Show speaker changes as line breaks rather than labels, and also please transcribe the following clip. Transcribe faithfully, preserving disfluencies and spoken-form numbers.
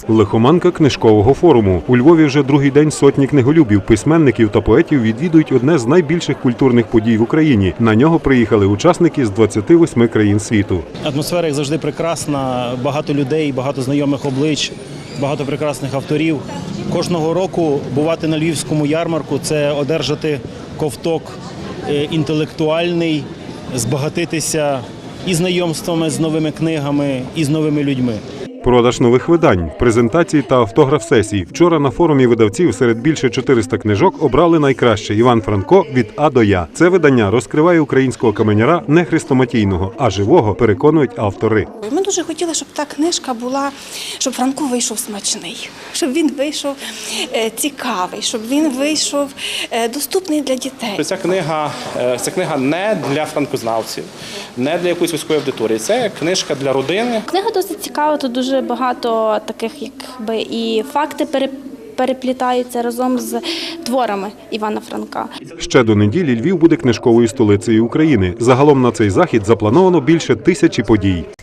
Лихоманка книжкового форуму. У Львові вже другий день сотні книголюбів, письменників та поетів відвідують одне з найбільших культурних подій в Україні. На нього приїхали учасники з двадцяти восьми країн світу.
Атмосфера, як завжди, прекрасна, багато людей, багато знайомих облич, багато прекрасних авторів. Кожного року бувати на львівському ярмарку – це одержати ковток інтелектуальний, збагатитися і знайомствами з новими книгами, і з новими людьми.
Продаж нових видань, презентації та автограф-сесій. Вчора на форумі видавців серед більше чотирьох книжок обрали найкраще Іван Франко «Від А до Я». Це видання розкриває українського каменяра не хрестоматійного, а живого, переконують автори.
Ми дуже хотіли, щоб та книжка була, щоб Франко вийшов смачний, щоб він вийшов цікавий, щоб він вийшов доступний для дітей.
Ця книга, ця книга не для франкознавців, не для якоїсь вузької аудиторії. Це книжка для родини.
Книга досить цікава, тут дуже багато таких якби і факти переплітаються разом з творами Івана Франка.
Ще до неділі Львів буде книжковою столицею України. Загалом на цей захід заплановано більше тисячі подій.